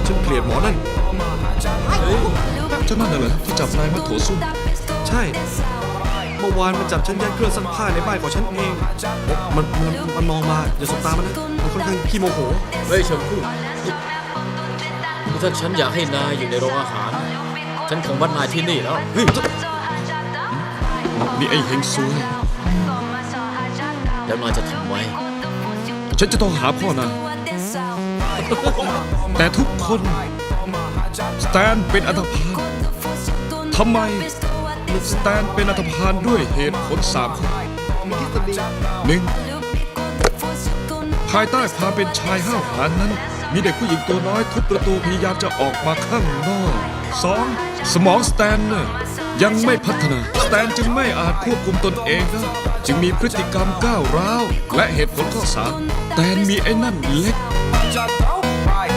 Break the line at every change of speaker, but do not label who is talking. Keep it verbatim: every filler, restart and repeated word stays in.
ฉันเกลียดหมอนั่น
เจ้านั่นน่ะเหรอที่จับนายมาโถส้วม
ใช่เมื่อวานมันจับฉันยัดเครื่องซักผ้าในบ้านของฉันเองมันมันมันมองมาอย่าสบตามันนะมันค่อนข้างขี้โมโห
เฮ้ยเฉิงคู่ถ้าฉันอยากให้นายอยู่ในโรงอาหาร ฉันคงวัดนายที่นี่แล้ว
เฮ้ย
นี่ไอ้เฮงซวย
แล้วนายจะทำไว้
ฉันจะต้องหาพ่อนายแต่ทุกคนสแตนเป็นอันธพาลทำไมสแตนเป็นอันธพาลด้วยเหตุผลสามข้อหนึ่งภายใต้ความเป็นชายห้าวหาญนั้น มีเด็กผู้หญิงตัวน้อยทุบประตูพยายามจะออกมาข้างนอกสองสมองสแตนน่ะยังไม่พัฒนาสแตนจึงไม่อาจควบคุมตนเองได้จึงมีพฤติกรรมก้าวร้าวและเหตุผลข้อสามสแตนมีไอ้นั่นเล็ก